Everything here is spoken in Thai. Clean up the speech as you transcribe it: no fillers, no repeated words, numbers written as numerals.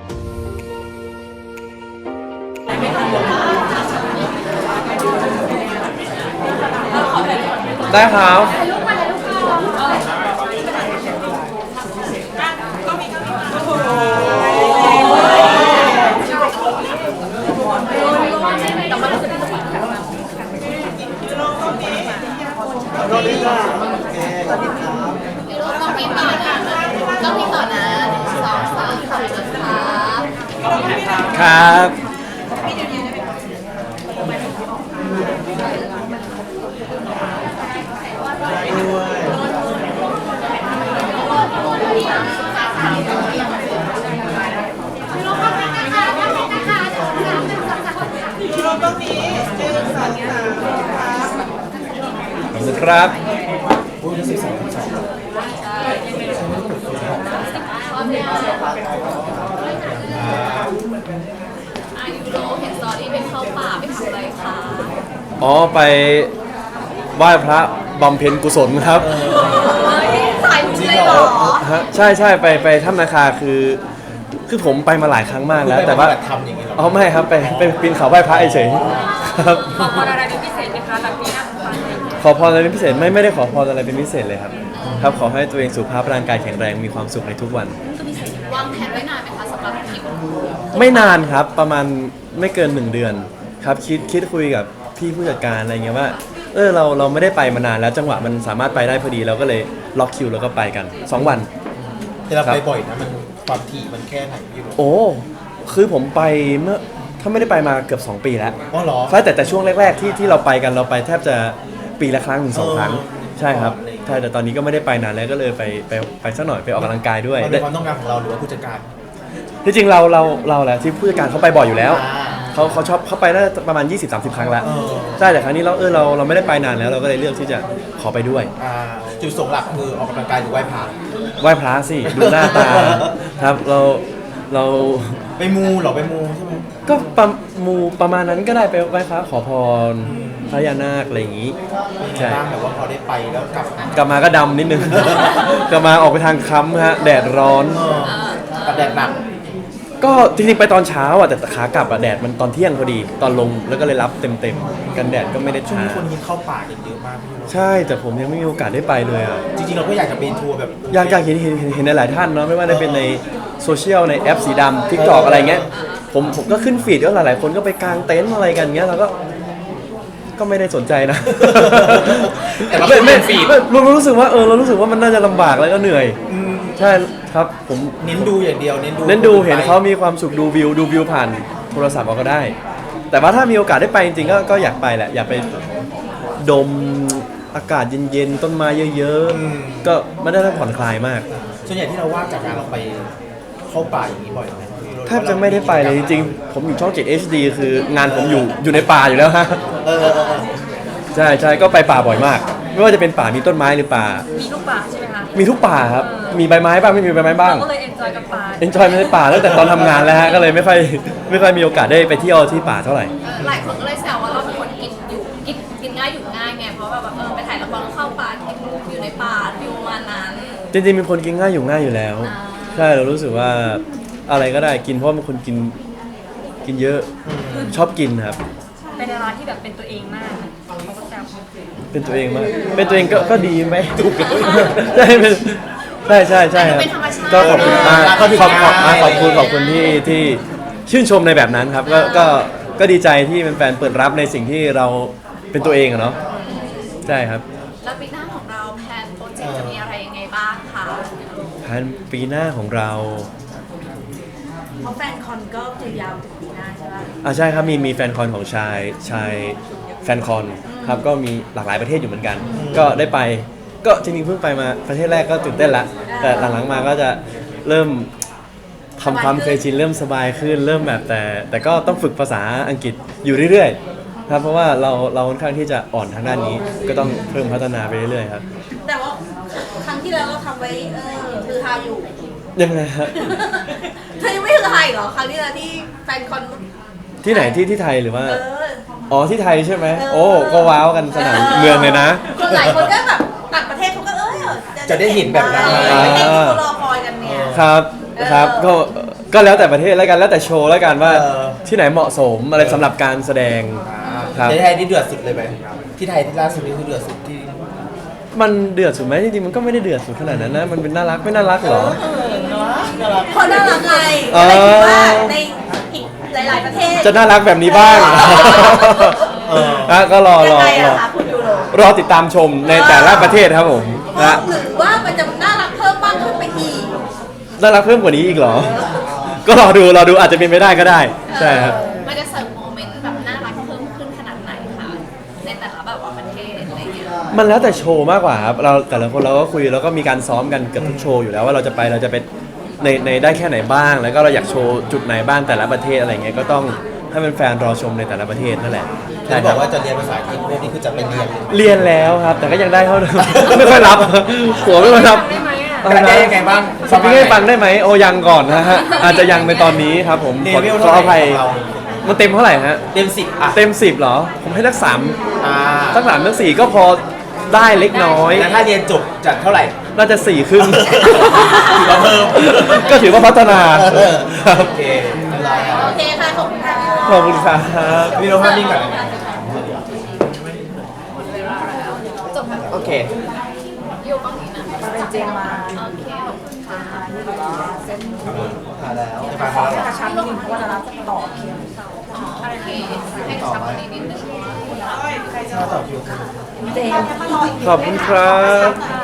ได้ครับต้องมีต่อนะ2 3ขอบคุณค่ะครับครับยูโรเห็นสตอรี่ไปเข้าป่าไปทำอะไรคะอ๋อไปไหว้พระบำเพ็ญกุศลครับสายลุกเลยเหรอฮะใช่ใช่ไปถ้ำนาคาคือผมไปมาหลายครั้งมากแล้วแต่ว่าทำอย่างนี้หรออ๋อไม่ครับไปปีนเขาไหว้พระเฉยๆครับขอพรอะไรเป็นพิเศษไหมคะแบบนี้นะขอพรอะไรเป็นพิเศษไม่ได้ขอพรอะไรเป็นพิเศษเลยครับครับขอให้ตัวเองสุขภาพร่างกายแข็งแรงมีความสุขในทุกวันวางแผนไว้นานไหมคะสำหรับทริปไม่นานครับประมาณไม่เกิน1 เดือนครับคิดคุยกับพี่ผู้จัดการอะไรเงี้ยว่าเราไม่ได้ไปมานานแล้วจังหวะมันสามารถไปได้พอดีเราก็เลยล็อกคิวแล้วก็ไปกัน2 วันที่เราไปบ่อยนะมันความถี่มันแค่ไหนพี่รู้โอ้คือผมไปเมื่อถ้าไม่ได้ไปมาเกือบ2 ปีแล้วอ๋อเหรอใช่แต่ช่วงแรกๆที่เราไปกันเราไปแทบจะปีละครั้งถึง2 ครั้งใช่ครับใช่แต่ตอนนี้ก็ไม่ได้ไปนานแล้วก็เลยไปสักหน่อยไปออกกำลังกายด้วยมันเป็นความต้องการของเราหรือว่าผู้จัดการที่จริงเราแหละที่ผู้จัดการเขาไปบ่อยอยู่แล้วเขาชอบเขาไปได้ประมาณ 20-30 ครั้งแล้วใช่แต่ครั้งนี้เราไม่ได้ไปนานแล้วเราก็เลยเลือกที่จะขอไปด้วยจุดส่งหลักคือออกกำลังกายหรือไหว้พระไหว้พระสิดูหน้าตาครับเราไปมูหรอไปมูใช่ไหมก็ประมาณนั้นก็ได้ไปไหว้พระขอพรพระยานาคอะไรอย่างนี้ใช่แต่ว่าพอได้ไปแล้วกลับมาก็ดำนิดนึงกลับมาออกไปทางค้ำฮะแดดร้อนกับแดดหนักก็จริงๆไปตอนเช้าอ่ะแต่ขากลับอ่ะแดดมันตอนเที่ยงพอดีตอนลงแล้วก็เลยรับเต็มกันแดดก็ไม่ได้ช่วงช้านี้คนยินเข้าป่ากันเยอะมากพี่ใช่แต่ผมยังไม่มีโอกาสได้ไปเลยอ่ะจริงๆเราก็อยากจะเป็นทัวร์แบบอยากเห็นหลายท่านเนาะไม่ว่าจะเป็นในโซเชียลในแอปสีดำ TikTok อะไรเงี้ยผมก็ขึ้นฟีดก็หลายๆคนก็ไปกางเต็นท์อะไรกันเงี้ยเราก็ไม่ได้สนใจนะแต่เราไม่ฟีดเรารู้สึกว่าเรารู้สึกว่ามันน่าจะลำบากแล้วก็เหนื่อยใช่ครับผมเน้นดูอย่างเดียวเน้นดูเห็นเขามีความสุขดูวิวผ่านโทรศัพท์ก็ได้ แต่ว่าถ้ามีโอกาสได้ไปจริงๆก็อยากไปแหละอยากไปดมอากาศเย็นๆต้นไม้เยอะๆก็ไม่ได้ผ่อนคลายมากส่วนใหญ่ที่เราว่างจากการเราไปเข้าป่าอย่างนี้บ่อยไหมแทบจะไม่ได้ไปเลยจริงๆผมอยู่ช่อง 7 HD คืองานผมอยู่ในป่าอยู่แล้วฮะใช่ก็ไปป่าบ่อยมากไม่ว่าจะเป็นป่ามีต้นไม้หรือป่ามีทุกป่าใช่ไหมคะมีทุกป่าครับมีใบไม้บ้างไม่มีใบไม้บ้างก็เลยเอนจอยกับป่าเอนจอยในป่าตั้งแต่ตอนทำงานแล้วฮะก็เลยไม่ค่อยมีโอกาสได้ไปเที่ยวที่ป่าเท่าไหร่หลายคนก็เลยแซวว่าเราเป็นคนกินง่ายอยู่ง่ายไงเพราะแบบไปถ่ายละครเข้าป่ากินอยู่ในป่าฟิวมานั้นจริงๆเป็นคนกินง่ายอยู่ง่ายอยู่แล้วใช่เรารู้สึกว่าอะไรก็ได้กินเพราะเป็นคนกินเยอะชอบกินครับเป็นร้านที่แบบเป็นตัวเองมากเขาก็แซวเป็นตัวเองมากเป็นตัวเองก็ดีไหมถูกใช่ครับก็ขอบคุณมากขอบคุณที่ชื่นชมในแบบนั้นครับก็ดีใจที่แฟนๆเปิดรับในสิ่งที่เราเป็นตัวเองอะเนาะใช่ครับแล้วปีหน้าของเราแพลนโปรเจกต์จะมีอะไรยังไงบ้างคะแผนปีหน้าของเราเพราะแฟนคอนก็คือยาวถึงปีหน้าใช่ไหมใช่ครับมีแฟนคอนของชายแฟนคอนครับก็มีหลากหลายประเทศอยู่เหมือนกันก็ได้ไปก็จริงๆเพิ่งไปมาประเทศแรกก็ตื่นเต้นละแต่หลังๆมาก็จะเริ่มทำความเคยชินเริ่มสบายขึ้นเริ่มแบบแต่ก็ต้องฝึกภาษาอังกฤษอยู่เรื่อยๆครับเพราะว่าเราค่อนข้างที่จะอ่อนทางด้านนี้ก็ต้องเพิ่มพัฒนาไปเรื่อยๆครับแต่ว่าครั้งที่แล้วเราทำไว้คือฮาอยู่ยังไงฮะเธอยังไม่คือไทยเหรอครั้งที่แล้วที่แฟนคอนที่ไหนที่ไทยหรือว่าที่ไทยใช่ไหมโอ้ก็ว้าวกันสนามเมืองเลยนะคนหลายคนก็แบบต่างประเทศเขาก็จะได้เห็นแบบนั้นเขารอคอยกันเนี่ยครับก็ก็แล้วแต่ประเทศแล้วกันแล้วแต่โชว์แล้วกันว่าที่ไหนเหมาะสมอะไรสำหรับการแสดงครับในไทยนี่เดือดสุดเลยไหมที่ไทยที่ล่าสุดนี่คือเดือดสุดที่มันเดือดสุดไหมจริงๆมันก็ไม่ได้เดือดสุดขนาดนั้นนะมันเป็นน่ารักไม่น่ารักเหรอเพราะน่ารักไงอ๋ออะไรคิดว่าในอีกหลายๆประเทศจะน่ารักแบบนี้บ้างก็รอยังไงอะคะคุณยูโรรอติดตามชมในแต่ละประเทศครับผมนะหรือว่ามันจะน่ารักเพิ่มมากขึ้นไปอีกน่ารักเพิ่มกว่านี้อีกเหรอ ก็รอดูอาจจะเป็นไปได้ก็ได้ใช่ครับมันจะเสิร์ฟโมเมนต์แบบน่ารักเพิ่มขึ้นขนาดไหนคะในแต่ละแบบว่าประเทศอะไรอย่างเงี้ยมันแล้วแต่โชว์มากกว่าครับเราแต่ละคนเราก็คุยแล้วก็มีการซ้อมกันเกือบทุกโชว์อยู่แล้วว่าเราจะไปในได้แค่ไหนบ้าง แล้วก็เราอยากโชว์จุดไหนบ้างแต่ละประเทศอะไรเงี้ยก็ต้องให้แฟนๆรอชมในแต่ละประเทศนั่นแหละที่บอกว่าจะเรียนภาษาอังกฤษพวกนี้คือจะไปเรียนเรียนแล้วครับ แต่ก็ยังได้เท่าเดิม ไม่ค่อยรับหัวไม่ค่อยรับได้ยังไงบ้างสปิงให้ฟังได้ไหมโอยังก่อนนะฮะอาจจะยังในตอนนี้ครับผมเลขอเวลขเท่าอไหร่อภัยของเรามันเต็มเท่าไหร่ฮะเต็ม10อ่ะเต็ม10เหรอ ผมให้สัก3 อ่าสัก3สัก4ก็พอได้เล็กน้อยแล้วถ้าเรียนจบจะเท่าไหร่น่าจะ4 ครึ่งถือว่าเพิ่มก็ถือว่าพัฒนาครับโอเคเรียบร้อยแล้วโอเคค่ะขอบคุณค่ะขอบคุณครับพี่โรภาพนิ่งก่อนจบแล้วโอเคอยู่ฝั่งนี้นะเป็นเจมมาโอเคขอบคุณค่ะผ่านแล้วผ่านแล้วกระชับนิดนึงเพราะว่าเราจะต่อคิวโอเคให้กระชับกว่านี้นิดนึงต่อคิวเจมขอบคุณครับ